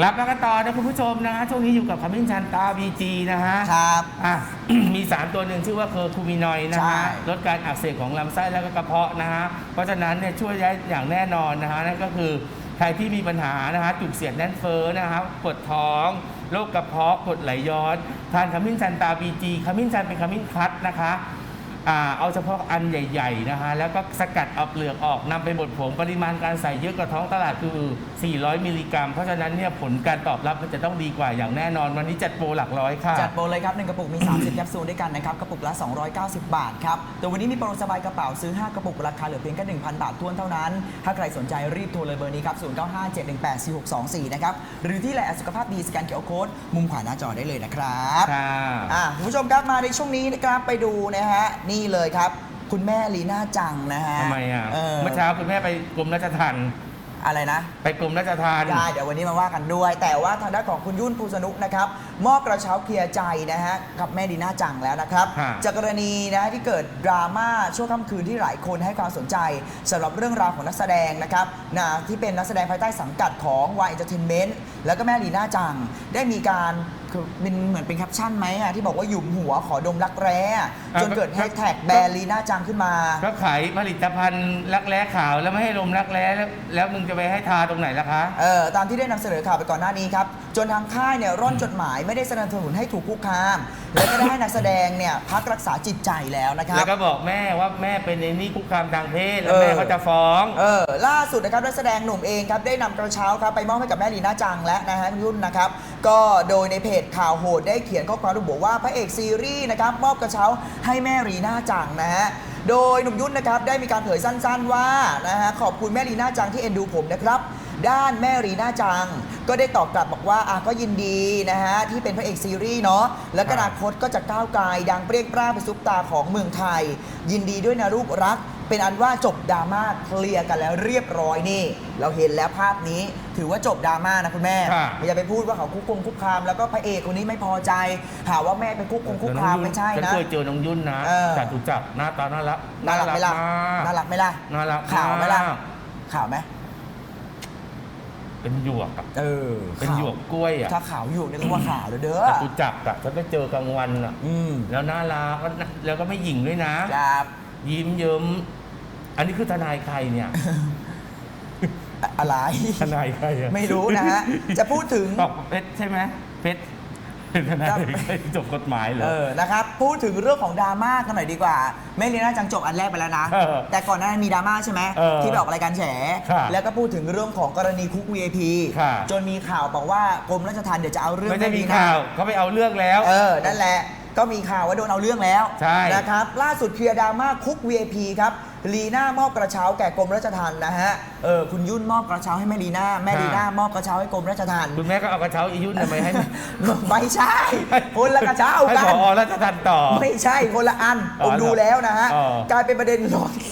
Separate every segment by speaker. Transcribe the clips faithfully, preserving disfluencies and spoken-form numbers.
Speaker 1: รับแล้วก็ต่อนะคุณผู้ชมนะฮะช่วงนี้อยู่กับขมิ้นชันตา บี จี นะฮะ
Speaker 2: ครับ
Speaker 1: อ่ะ มีสารตัวหนึ่งชื่อว่าเคอร์คูมินอยด์นะฮะลดการอักเสบของลำไส้และก็กระเพาะนะฮะเพราะฉะนั้นเนี่ยช่วยได้อย่างแน่นอนนะฮะนั่นก็คือใครที่มีปัญหานะฮะจุกเสียดแน่นเฟ้อนะครับปวดท้องโรคกระเพาะกรดไหลย้อนทานขมิ้นชันตา บี จี ขมิ้นชันเป็นขมิ้นคัดนะคะอ่าเอาเฉพาะอันใหญ่ๆนะฮะแล้วก็สกัดเอาเปลือกออกนำไปบดผงปริมาณการใส่เยอะกว่าท้องตลาดคือสี่ร้อยมิลลิกรัมเพราะฉะนั้นเนี่ยผลการตอบรับมันจะต้องดีกว่าอย่างแน่นอนวันนี้จัดโปรหลักร้อยค่ะ
Speaker 2: จัดโปรเลยครับหนึ่งกระปุกมีสามสิบแคปซูลด้วยกันนะครับกระปุกละสองร้อยเก้าสิบบาทครับแต่วันนี้มีโปรสบายกระเป๋าซื้อห้ากระปุกราคาเหลือเพียงแค่ หนึ่งพัน บาททวนเท่านั้นถ้าใครสนใจรีบโทรเลยเบอร์นี้ครับศูนย์ เก้า ห้า เจ็ด หนึ่ง แปด สี่ หก สอง สี่นะครับหรือที่ไลน์สุขภาพดีสแกน คิว อาร์ โค้ดมุมขวาหน้าจอได้เลยนะครับ
Speaker 1: ค่ะ
Speaker 2: อ่ะคุณผู้ชมครับมาในช่วงนี้นะครับไปดูนะฮะนี่เลยครับคุณแม่ลีน่าจังนะฮะ
Speaker 1: ทำไมอ่ะ
Speaker 2: เ
Speaker 1: เมื่อเช้าคุณแม่ไปกรมราชทัณฑ์
Speaker 2: อะไรนะ
Speaker 1: ไปกรมราชทัณฑ์
Speaker 2: ได้เดี๋ยววันนี้มาว่ากันด้วย แต่ว่าทางด้านของคุณยุ่นภูสนุกนะครับมอบกระเช้าเคลียร์ใจนะฮะกับแม่ลีน่าจังแล้วนะครับจากกรณีนะที่เกิดดราม่าช่วงค่ำคืนที่หลายคนให้ความสนใจสำหรับเรื่องราวของนักแสดงนะครับนะที่เป็นนักแสดงภายใต้สังกัดของ วาย Entertainment แล้วก็แม่ลีน่าจังได้มีการคือเป็นเหมือนเป็นแคปชั่นไหมอ่ะที่บอกว่าหยุมหัวขอดมรักแร้จนเกิดแฮชแท็กแบรนด์ลีน่าจังขึ้นมา
Speaker 1: ก็ขายผลิตภัณฑ์รักแร้ขาวแล้วไม่ให้ลมรักแร้แล้วแล้วมึงจะไปให้ทาตรงไหนล่ะคะ
Speaker 2: เออตามที่ได้นำเสนอข่าวไปก่อนหน้านี้ครับจนทางค่ายเนี่ยร่อนจดหมายไม่ได้สนับสนุนให้ถูกคุกคามและก็ได้ให้นักแสดงเนี่ยพักรักษาจิตใจแล้วนะครับ
Speaker 1: แล้วก็บอกแม่ว่าแม่เป็นในนี่คุกคามทางเพศแล้วแม่เขาจะฟ้อง
Speaker 2: เออล่าสุดนะครับนักแสดงหนุ่มเองครับได้นำกระเช้าครับไปมอบให้กับแม่ลีน่าจังและนะฮะคุณยุ่นนะครับก็โดยในเพจข่าวโหดได้เขียนข้อความระบุว่าพระเอกซีรีส์นะครับมอบกระเช้าให้แม่ลีน่าจังนะฮะโดยหนุ่มยุ่นนะครับได้มีการเผยสั้นๆว่านะฮะขอบคุณแม่ลีน่าจังที่เอ็นดูผมนะครับด้านแม่ลีน่าจังก็ได้ตอบกลับบอกว่าอ่ะก็ยินดีนะฮะที่เป็นพระเอกซีรีส์เนาะแล้วก็อนาคตก็จะก้าวไกลดังเปรี้ยงปร้างเป็นซุปตาของเมืองไทยยินดีด้วยนะลูกรักเป็นอันว่าจบดราม่าเคลียร์กันแล้วเรียบร้อยนี่เราเห็นแล้วภาพนี้ถือว่าจบดราม่านะคุณแม่อย่าไปพูดว่าเขาคุกคงคุกคามแล้วก็พระเอกคนนี้ไม่พอใจหาว่าแม่เป็นคุกคงคุกคามไม่ใช่นะ
Speaker 1: ฉันเคยเจอน้องยุ่นนะจัดตุจักหน้าตาน่ารัก
Speaker 2: น่ารักไหมล่ะน่ารักไหมล่ะ
Speaker 1: น่ารัก
Speaker 2: ข่าวไหมล่ะข่าวไหม
Speaker 1: เป็นหยวกอ่ะ
Speaker 2: เออ
Speaker 1: เป็นหยวกกล้วยอ่ะ
Speaker 2: ถ้าขาวหยวกนี่ก็ว่าขาวเลยเด้อ
Speaker 1: จัตุจักอ่ะฉันไปเจอกลางวันอ่ะแล้วน่ารักแล้วก็ไม่หยิ่งด้วยนะครับยิ้มเยิ้มอันนี้คือทนายใครเนี่ย
Speaker 2: อะไร
Speaker 1: ทนายใครอ่ะ
Speaker 2: ไม่รู้นะฮะจะพูดถึง
Speaker 1: เพชรใช่ไหมเพชรเป็นทนายจบกฎหมายเหรอ
Speaker 2: เออนะครับพูดถึงเรื่องของดราม่ากันหน่อยดีกว่าแม่ลีน่าจังจบอันแรกไปแล้วนะแต่ก่อนหน้านั้นมีดราม่าใช่ไหมที่ไปออกรายการแฉแล้วก็พูดถึงเรื่องของกรณีคุก วี ไอ พี จนมีข่าวบอกว่ากรมราชทัณฑ์เดี๋ยวจะเอาเรื่อง
Speaker 1: ไม่ได้มีข่าวเขาไปเอาเรื่องแล้ว
Speaker 2: เออนั่นแหละก็มีข่าวว่าโดนเอาเรื่องแล้วนะครับล่าสุดเคลียร์ดราม่าคุก วี ไอ พี ครับลีน่ามอบกระเช้าแก่กรมราชทัณฑ์นะฮะเออคุณยุ่นมอบกระเช้าให้แม่ลีน่าแม่ลีน่ามอบกระเช้าให้กรมราชทัณฑ์
Speaker 1: คุณแม่ก็เอากระเช้าอียุ่นทำไมให้
Speaker 2: ไม่ใช่คนละกระเช้ากัน
Speaker 1: ให้ผอราชทัณฑ์ต่อ
Speaker 2: ไม่ใช่คนละอันผมดูแล้วนะฮะกลายเป็นประเด็นร้อน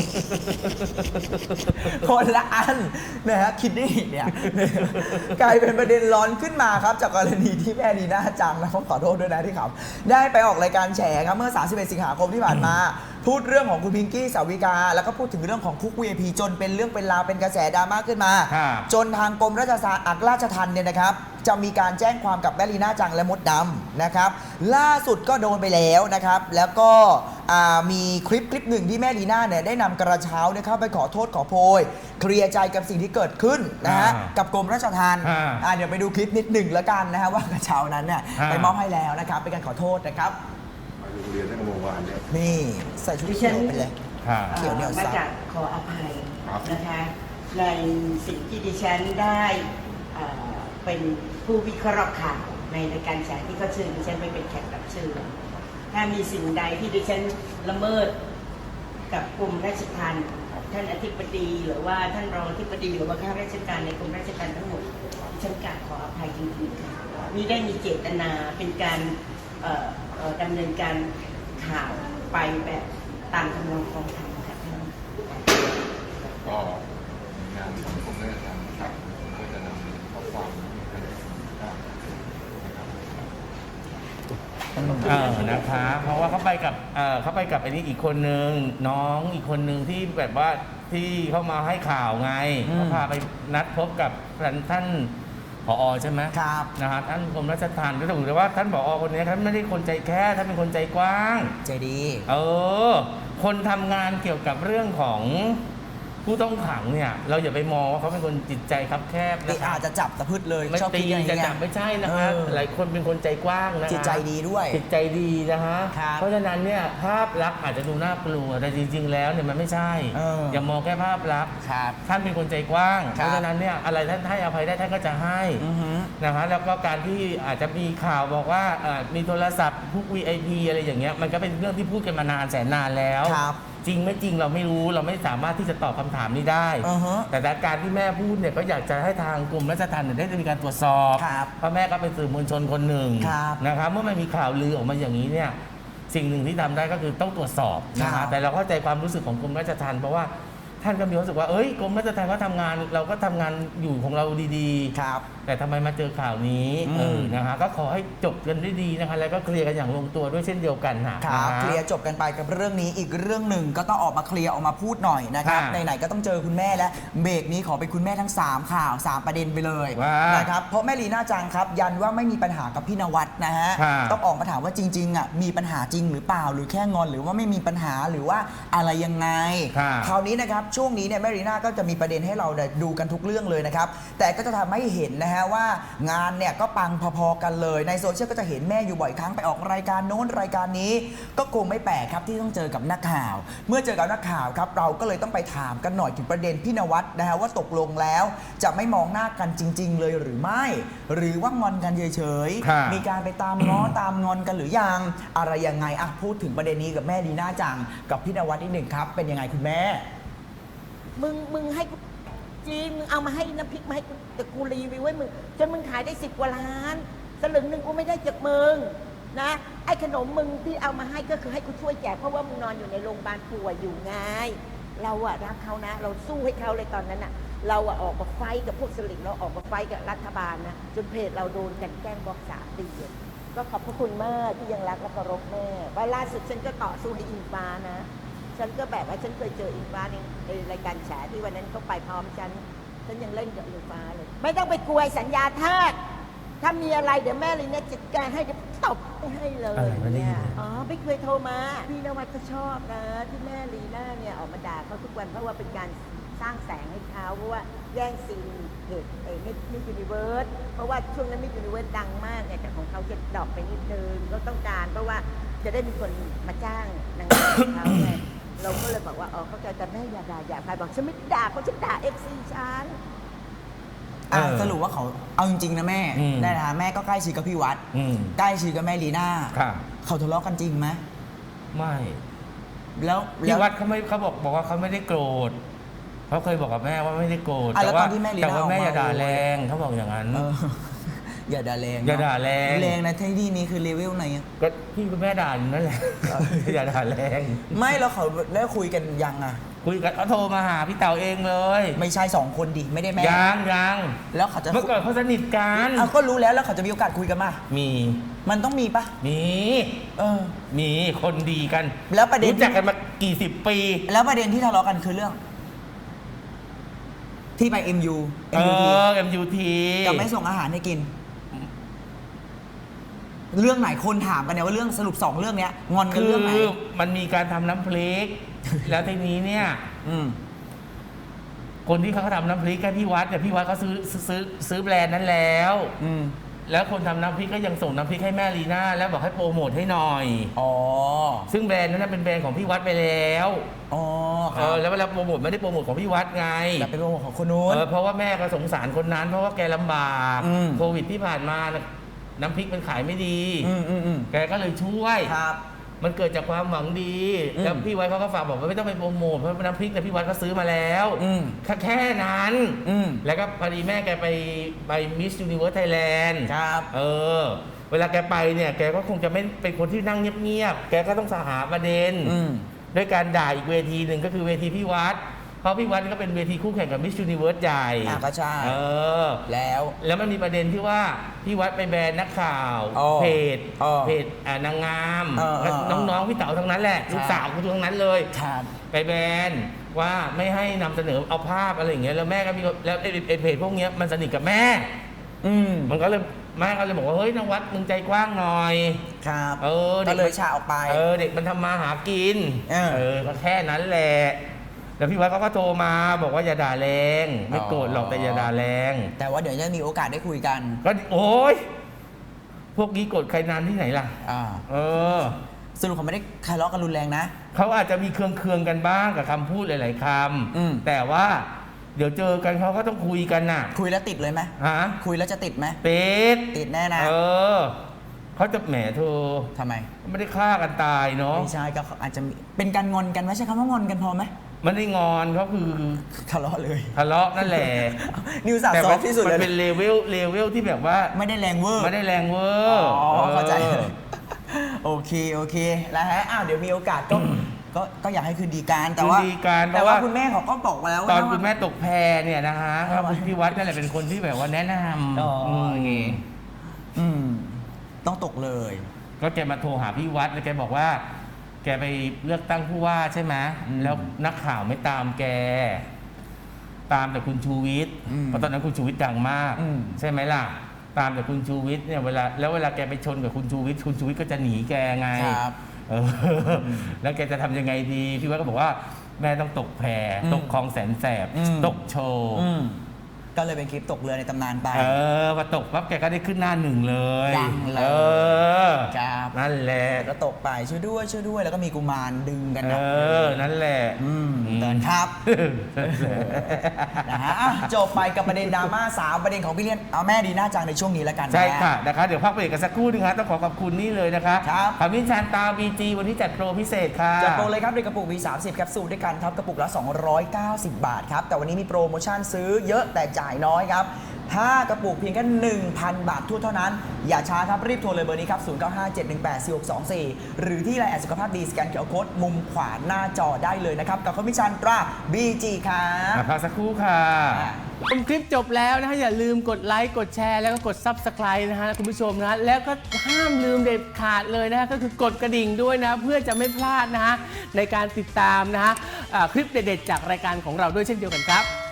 Speaker 2: คนละอันนะฮะคิดนี่เนี่ยกลายเป็นประเด็นร้อนขึ้นมาครับจากกรณีที่แม่ลีน่าจังนะขอโทษด้วยนะที่เขาได้ไปออกรายการแฉครับเมื่อสามสิบเอ็ดสิงหาคมที่ผ่านมาพูดเรื่องของคุณพิงกี้สาวิกาแล้วก็พูดถึงเรื่องของคุก วี ไอ พี จนเป็นเรื่องเป็นราวเป็นกระแสดราม่าขึ้นมาจนทางกรมราชอักราชทัณฑ์เนี่ยนะครับจะมีการแจ้งความกับแม่ลีน่าจังและมดดำนะครับล่าสุดก็โดนไปแล้วนะครับแล้วก็มีคลิปคลิปหนึ่งที่แม่ลีน่าเนี่ยได้นำกระเช้าเนี่ยเข้าไปขอโทษขอโพยเคลียร์ใจกับสิ่งที่เกิดขึ้นนะฮะกับกรมราชทัณฑ์เดี๋ยวไปดูคลิปนิดหนึ่งแล้วกันนะฮะว่ากระเช้านั้นเนี่ยไปมอบให้แล้วนะครับเป็นการขอโทษนะครับ
Speaker 3: เรียนได้เมื่อวานเนี่ย
Speaker 2: นี่ใส่ชุดเขียวไปเลย
Speaker 4: เขียวเนี่ยมาจากขออภัยนะคะในสิ่งที่ดิฉันได้เป็นผู้วิเคราะห์ข่าวในรายการแฉที่เขาเชิญดิฉันไปเป็นแขกรับเชิญถ้ามีสิ่งใดที่ดิฉันละเมิดกับกรมราชทัณฑ์ท่านอธิบดีหรือว่าท่านรองอธิบดีหรือว่าข้าราชการในกรมราชทัณฑ์ทั้งหมดดิฉันกราบขออภัยจริงๆค่ะมิได้มีเจตนาเป็นการดำเนินการข่าวไปแบบตามคำนองกองทัพค่ะ
Speaker 3: ก็งานสังคมราชทัณฑ์ครับก็จะนำข้อความให้
Speaker 1: เออนะคะเพราะว่าเขาไปกับเออเขาไปกับไอ้นี่อีกคนนึงน้องอีกคนนึงที่แบบว่าที่เข้ามาให้ข่าวไงเขาพาไปนัดพบกับท่านผผอใช่ไหม
Speaker 2: ครับ
Speaker 1: นะฮะท่านกรมราชทัณฑ์ก็ถือว่าท่านผอคนนี้ท่านไม่ได้คนใจแค่ท่านเป็นคนใจกว้าง
Speaker 2: ใจดี
Speaker 1: เออ คนทำงานเกี่ยวกับเรื่องของผู้ต้องขังเนี่ยเราอย่าไปมองว่าเขาเป็นคนจิตใจคับแคบ
Speaker 2: ตี
Speaker 1: นะครั
Speaker 2: อา
Speaker 1: บ
Speaker 2: จจะจับตะพืดเลย
Speaker 1: ไม่
Speaker 2: ชอบ
Speaker 1: ตี
Speaker 2: คิดอย่าง
Speaker 1: จะ
Speaker 2: นี้
Speaker 1: จับไม่ใช่นะคะ
Speaker 2: เออ
Speaker 1: หลายคนเป็นคนใจกว้างนะคะ
Speaker 2: จิตใจดีด้วย
Speaker 1: จิตใจดีนะฮะ
Speaker 2: ครับ
Speaker 1: เพราะฉะนั้นเนี่ยภาพลักษณ์อาจจะดูน่ากลัวแต่จริง ๆ แล้วเนี่ยมันไม่ใช่
Speaker 2: เอออ
Speaker 1: ย่ามองแค่ภาพลักษณ์
Speaker 2: ครับ
Speaker 1: ท่านเป็นคนใจกว้าง
Speaker 2: ครับ
Speaker 1: เพราะฉะนั้นเนี่ยอะไรท่านให้อภัยได้ท่านก็จะให้
Speaker 2: อือฮึ
Speaker 1: นะฮะแล้วก็การที่อาจจะมีข่าวบอกว่าเอ่อมีโทรศัพท์พวก วี ไอ พี อะไรอย่างเงี้ยมันก็เป็นเรื่องที่พูดกันมานานแสนนานแล้ว
Speaker 2: ครับ
Speaker 1: จริงไม่จริงเราไม่รู้เราไม่สามารถที่จะตอบคำถามนี้ได้
Speaker 2: อือฮะ
Speaker 1: แต่การที่แม่พูดเนี่ยก็อยากจะให้ทางกลุ่มราชทัณฑ์เนี่ยได้มีการตรวจสอบ
Speaker 2: ครับ
Speaker 1: เพราะแม่ก็เป็นสื่อมวลชนคนหนึ่ง
Speaker 2: ครับ
Speaker 1: นะครับเมื่อมันมีข่าวลือออกมาอย่างนี้เนี่ยสิ่งหนึ่งที่ทำได้ก็คือต้องตรวจสอบนะ
Speaker 2: ครั
Speaker 1: ฮะ
Speaker 2: บ
Speaker 1: แต่เราเข้าใจความรู้สึกของกรมราชทัณฑ์เพราะว่าท่านก็มีความรู้สึกว่าเอ้ยกรมราชทัณฑ์ก็ทำงานเราก็ทำงานอยู่ของเราดีๆ
Speaker 2: ครับ
Speaker 1: แต่ทำไมมาเจอข่าวนี้
Speaker 2: อืม
Speaker 1: เออนะฮะก็ขอให้จบกันด้วยดีนะคะแล้วก็เคลียร์กันอย่างลงตัวด้วยเช่นเดียวกันนะ
Speaker 2: ครับ
Speaker 1: นะฮะ
Speaker 2: เคลียร์จบกันไปกับเรื่องนี้อีกเรื่องหนึ่งก็ต้องออกมาเคลียร์ออกมาพูดหน่อยนะครับ
Speaker 1: ค่ะ
Speaker 2: ไหนๆก็ต้องเจอคุณแม่และเบรกนี้ขอเป็นคุณแม่ทั้ง 3 ข่าว 3 ประเด็นไปเลย
Speaker 1: ว่า
Speaker 2: นะครับเพราะแม่ลีน่าจังครับยันว่าไม่มีปัญหากับพี่นวัดนะฮะ
Speaker 1: ค่ะ
Speaker 2: ต้องออกมาถามว่าจริงๆอ่ะมีปัญหาจริงหรือเปล่าหรือแค่งอนหรือว่าไม่มีปัญหาหรือว่าอะไรยังไง
Speaker 1: ค่ะ
Speaker 2: คราวนี้นะครับช่วงนี้เนี่ยแม่ลีน่าก็จะมีประเด็นให้เราเนี่ยดูกันทุกเรื่องเลยนะครับแต่ก็จะทำให้เห็นนะฮะว่างานเนี่ยก็ปังพอๆกันเลยในโซเชียลก็จะเห็นแม่อยู่บ่อยครั้งไปออกรายการโน้นรายการนี้ ก็คงไม่แปลกครับที่ต้องเจอกับนักข่าว เมื่อเจอกับนักข่าวครับเราก็เลยต้องไปถามกันหน่อยถึงประเด็นพี่นวัดนะฮะว่าตกลงแล้วจะไม่มองหน้ากันจริง ๆ เลยหรือไม่ หรือว่างอนกันเฉย
Speaker 1: ค่ะ
Speaker 2: ๆมีการไปตามง้อ ตามงอนกันหรือยังอะไรยังไงอ่ะพูดถึงประเด็นนี้กับแม่ลีน่าจังกับพี่นวัดนิดหนึ่งครับเป็นยังไงคุณแม่
Speaker 4: มึงมึงให้กูจริงมึงเอามาให้น้ำพริกมาให้กูแต่กูรีวิวไว้มึงจนมึงขายได้สิบกว่าล้านสลึงหนึ่งกูไม่ได้จากมึงนะไอ้ขนมมึงที่เอามาให้ก็คือให้กูช่วยแจกเพราะว่ามึงนอนอยู่ในโรงพยาบาลป่วยอยู่ไงเราอะรักเขานะ เราสู้ให้เขาเลยตอนนั้นอะเราอะออกมาไฟท์กับพวกสลิมเราออกมาไฟท์กับรัฐบาลนะจนเพจเราโดนกันแกล้งบล็อกสามปีอะก็ขอบพระคุณมากที่ยังรักและเคารพแม่ว่าล่าสุดฉันก็ต่อสู้ให้อิงฟ้านะ ฉันก็แบบว่าฉันเคยเจออิงฟ้าในในรายการแฉที่วันนั้นเขาไปพร้อมฉัน ฉันยังเล่นกับอิงฟ้าเลย ไม่ต้องไปกลัวสัญญาทาสถ้ามีอะไรเดี๋ยวแม่เลยเนี่ยจัดการให้เดี๋ยวตบให้เลย
Speaker 1: อะไรไม่ได้ยิน
Speaker 4: อ๋อไม่เคยโทรมา พี่นวัดก็ชอบนะ ที่แม่ลีน่าเนี่ยออกมาด่าเขาทุกวันเพราะว่าเป็นการสร้างแสงให้เขาเพราะว่าแย่งซีนเพจไอ้มิมิยูนิเวิร์สเพราะว่าช่วงนั้นมิยูนิเวิร์สดังมากเนี่ยแต่ของเขาจะดรอปไปนิดนึงก็ต้องการเพราะว่าจะได้มีคนมาจ้างนางงามของเขาไง เราก็เลยบอกว่า อ๋อ เข้าใจแต่แม่อย่าด่าอย่าใครบอกฉันไม่ด่าเขาฉันด่าเอฟซีฉัน
Speaker 2: อ่ะ
Speaker 1: เออ
Speaker 2: สรุปว่าเขาเอาจริงๆนะแม่
Speaker 1: อืม
Speaker 2: ได้นะแม่ก็ใกล้ชิดกับพี่วัด
Speaker 1: อืม
Speaker 2: ใกล้ชิดกับแม่ลีน่า
Speaker 1: ค่ะ
Speaker 2: เขาทะเลาะกันจริงไหม
Speaker 1: ไม่
Speaker 2: แล้วแล้
Speaker 1: พี่
Speaker 2: ว
Speaker 1: วัดเขาไม่เขาบอกบอกว่าเขาไม่ได้โกรธเขาเคยบอกกับแม่ว่าไม่ได้โกรธ
Speaker 2: อ่ะแล้ว
Speaker 1: แต่ว่า
Speaker 2: ตอนที่แม่ลีน่า
Speaker 1: แต่ว่าแม่
Speaker 2: ออกมา
Speaker 1: อย่าด่าแรงเขาบอกอย่างนั้น
Speaker 2: เออ อย่าด่าแรง
Speaker 1: อย่า
Speaker 2: เนะ
Speaker 1: ด่าแรง
Speaker 2: แรงในที่นี้คือเลเวลไหนอะ
Speaker 1: ก็พี่กับแม่ด่าอยู่นั่นแหละ อย่าด่าแรง
Speaker 2: ไม่แล้วเขาได้คุยกันยังอะ
Speaker 1: คุยกันเขาโทรมาหาพี่เต๋าเองเลย
Speaker 2: ไม่ใช่สองคนดิไม่ได้แม่
Speaker 1: ยังยัง
Speaker 2: แล้วเขาจะ
Speaker 1: เมื่อก่อนเขาสนิทกัน
Speaker 2: เอาก็รู้แล้วแล้วเขาจะมีโอกาสคุยกันมา
Speaker 1: มี
Speaker 2: มันต้องมีปะ
Speaker 1: มี
Speaker 2: เออ
Speaker 1: มีคนดีกัน
Speaker 2: แล้วประเด็น
Speaker 1: รู้จักกันมากี่สิบปี
Speaker 2: แล้วประเด็นที่ทะเลาะกันคือเรื่อง ที่ไป เอ็ม ยู
Speaker 1: เออ เอ็ม ยู ที
Speaker 2: กับไม่ส่งอาหารให้กิน เรื่องไหนคนถามกันเนี่ยว่าเรื่องสรุปสองเรื่องเนี้ยงอนกัน
Speaker 1: คือ
Speaker 2: เรื่องไหน
Speaker 1: มันมีการทำน้ำพริก แล้วทีนี้เนี่ย
Speaker 2: อืม
Speaker 1: คนที่เขาทำน้ำพริกกันพี่วัดเนี่ยพี่วัดเขาซื้อซื้อซื้อแบรนด์นั้นแล้ว
Speaker 2: อืม
Speaker 1: แล้วคนทำน้ำพริกก็ยังส่งน้ำพริกให้แม่ลีน่าแล้วบอกให้โปรโมทให้หน่อย
Speaker 2: อ๋อ
Speaker 1: ซึ่งแบรนด์นั้นนะเป็นแบรนด์ของพี่วัดไปแล้ว
Speaker 2: อ๋อค
Speaker 1: เอ
Speaker 2: รับ
Speaker 1: อแล้วเวลาโปรโมทไม่ได้โปรโมทของพี่วัดไง
Speaker 2: แต่เป็นโปรโมทของคนนู้น
Speaker 1: เออเพราะว่าแม่ก็สงสารคนนั้น เพราะว่าแกลำบาก
Speaker 2: อืม
Speaker 1: โควิดที่ผ่านมาน่ะน้ำพริกมันขายไม่ดี
Speaker 2: อืมอืมอืม
Speaker 1: แกก็เลยช่วย
Speaker 2: ครับ
Speaker 1: มันเกิดจากความหวังดี
Speaker 2: อืม
Speaker 1: แล้วพี่วัดเขาก็ฝากบอกว่าไม่ต้องไปโปรโมทเพราะน้ำพริกแต่ยพี่วัดก็ซื้อมาแล้ว
Speaker 2: อืม
Speaker 1: แค่แค่นั้น
Speaker 2: อืม
Speaker 1: แล้วก็พอดีแม่แกไปไปมิส s u นิเวิร์สไทยแลนด์
Speaker 2: ครับ
Speaker 1: เออ เวลาแกไปเนี่ยแกก็คงจะไม่เป็นคนที่นั่งเงียบๆแกก็ต้องสหาประเด็น
Speaker 2: อืม
Speaker 1: ด้วยการด่าอีกเวทีหนึ่งก็คือเวทีพี่วัด เพราะพี่วัดก็เป็นเวทีคู่แข่งกับมิส s u นิเวิร์สใหญ่
Speaker 2: อ่ะก็ใช่
Speaker 1: เออ
Speaker 2: แล้ว
Speaker 1: แล้วมันมีประเด็นที่ว่าพี่วัดไปแบนนักข่าว
Speaker 2: อ๋อ
Speaker 1: เพจ
Speaker 2: อ๋อ
Speaker 1: เพจอ่านางงาม
Speaker 2: เออเออเออ
Speaker 1: น้องๆพี่เต๋าทั้งนั้นแหละ
Speaker 2: ครับ
Speaker 1: ลูกสาวคุณทั้งนั้นเลย
Speaker 2: ครับ
Speaker 1: ไปแบนว่าไม่ให้นำเสนอเอาภาพอะไรอย่างเงี้ยแล้วแม่ก็มีแล้วไอ้ไอ้เพจพวกเนี้ยมันสนิทกับแม่
Speaker 2: อืม
Speaker 1: มันก็เลยแม่ก็เลยบอกว่าเฮ้ยนวัดมึงใจกว้างหน่อย
Speaker 2: ครับ
Speaker 1: เออ
Speaker 2: ก็
Speaker 1: ด็
Speaker 2: เลย
Speaker 1: มัน
Speaker 2: ฉาออกไป
Speaker 1: เออเด็กมันทำมาหากิน
Speaker 2: เออ
Speaker 1: เออก็แค่นั้นแหละแล้วพี่วัดเขาก็โทรมาบอกว่าอย่าด่าแรงไม่โกรธหรอกแต่อย่าด่าแรง
Speaker 2: แต่ว่าเดี๋ยวจะมีโอกาสได้คุยกัน
Speaker 1: ก็โอ๊ยพวกนี้โกรธใครนานที่ไหนล่ะ
Speaker 2: อ่า
Speaker 1: เออ
Speaker 2: สรุปเขาไม่ได้ทะเลาะกันรุนแรงนะ
Speaker 1: เขาอาจจะมีเคืองๆกันบ้างกับคำพูดหลาย ๆค
Speaker 2: อืม
Speaker 1: ำแต่ว่าเดี๋ยวเจอกันเขาก็ต้องคุยกันน่ะ
Speaker 2: คุยแล้วติดเลยไหม
Speaker 1: ฮะ
Speaker 2: คุยแล้วจะติดไหม
Speaker 1: เป็ด
Speaker 2: ติดแน่นะ
Speaker 1: เออเขาจะแหมเธอ
Speaker 2: ทำไม
Speaker 1: ไม่ได้ฆ่ากันตายเนาะ
Speaker 2: ไม่ใช่ก็อาจจะมีเป็นการงอนกันไหมใช่คำว่างอนกันพอไหม
Speaker 1: มันได้งอนเขาคือ
Speaker 2: ทะเลาะเลย
Speaker 1: ทะเลาะนั่นแหละ
Speaker 2: นิวสาว
Speaker 1: แต่
Speaker 2: ซอ
Speaker 1: ว่า
Speaker 2: ฟที่สุด
Speaker 1: มัน
Speaker 2: เลย
Speaker 1: เป็นเลเวลเลเวลที่แบบว่า
Speaker 2: ไม่ได้แรงเวอร์
Speaker 1: ไม่ได้แรงเวอ
Speaker 2: อ๋
Speaker 1: ร์
Speaker 2: อเข้าใจ
Speaker 1: ออ
Speaker 2: โอเคโอเคแล้วฮะอ้าวเดี๋ยวมีโอกาสก็ก็ก็อยากให้คืนดีกันแต่ว่า
Speaker 1: คืนดีกัน
Speaker 2: แต่
Speaker 1: เพราะ
Speaker 2: ว่า
Speaker 1: ว่า
Speaker 2: คุณแม่เขาก็บอกแล้ว
Speaker 1: ตอน
Speaker 2: ว่า
Speaker 1: คุณแม่ตกแพเนี่ยนะฮะครับพี่วัดนั่นแหละเป็นคนที่แบบว่าแนะน
Speaker 2: อ๋อ
Speaker 1: ำ
Speaker 2: อื
Speaker 1: ม
Speaker 2: อืมต้องตกเลย
Speaker 1: ก็แกมาโทรหาพี่วัดแล้วแกบอกว่า แกไปเลือกตั้งผู้ว่าใช่ไหม
Speaker 2: อืม
Speaker 1: แล้วนักข่าวไม่ตามแก ตามแต่คุณชูวิทย์
Speaker 2: อืม
Speaker 1: เพราะตอนนั้นคุณชูวิทย์ดังมาก
Speaker 2: อืม
Speaker 1: ใช่ไหมล่ะ ตามแต่คุณชูวิทย์เนี่ยเวลาแล้วเวลาแกไปชนกับคุณชูวิทย์คุณชูวิทย์ก็จะหนีแกไง
Speaker 2: ครับ
Speaker 1: เออแล้วแกจะทำยังไงดีพี่วัดก็บอกว่าแม่ต้องตกแพ
Speaker 2: อืม
Speaker 1: ตกคลองแสนแสบ
Speaker 2: อืม
Speaker 1: ตกโชว์
Speaker 2: อืมก็เลยเป็นคลิปตกเรือในตำนานไป
Speaker 1: เออพอตกปั๊บแกก็ได้ขึ้นหน้าหนึ่งเลย
Speaker 2: ดังเลย
Speaker 1: เออ
Speaker 2: ครับ
Speaker 1: นั่นแหละ
Speaker 2: ก็ตกไปช่วยด้วยช่วยด้วยแล้วก็มีกุมารดึงกัน
Speaker 1: เอ
Speaker 2: นะ
Speaker 1: อนั่นแหละ
Speaker 2: อืมเดินครับ นะฮะอ่ะจบไปกับประเด็นดราม่าสาวประเด็นของพี่เลี้ยนเอาแม่ดีหน้าจังในช่วงนี้แล้วกันน
Speaker 1: ใช่ค่ะนะคะเดี๋ยวพักเบรกกันสักครู่นึงครับต้องขอขอบคุณนี่เลยนะคะ
Speaker 2: ครับ
Speaker 1: ขมิ้นชันตาบีจีวันที่จัดโปรพิเศษค่ะ
Speaker 2: จัดโปรเลยครับในกระปุกมีสามสิบแคปซูลด้วยกันครับกระปุกละสองร้อยเก้าสิบบาทครับแต่วันนี้มีโปรโมชั่นซื้อเยอะแต่จ่ายน้อยครับห้ากระปุกเพียงแค่ หนึ่งพัน บาททั่วเท่านั้นอย่าช้าครับรีบโทรเลยเบอร์นี้ครับศูนย์ เก้า ห้า เจ็ด หนึ่ง แปด สี่ หก สอง สี่หรือที่ไลน์แอดสุขภาพดีสแกนเคอร์โค้ดมุมขวาหน้าจอได้เลยนะครับกับคอมมิชชั่นตรา บี จี ครับ
Speaker 1: อ่ะพักสักครู่ค่ะ
Speaker 2: อ่ะ
Speaker 5: ชมคลิปจบแล้วนะฮะอย่าลืมกดไลค์กดแชร์แล้วก็กด Subscribe นะฮะคุณผู้ชมนะแล้วก็ห้ามลืมเด็ดขาดเลยนะฮะก็คือกดกระดิ่งด้วยนะเพื่อจะไม่พลาดนะฮะในการติดตามนะฮะอ่าคลิปเด็ดๆจากรายการของเราด้วยเช่นเดียวกันครับ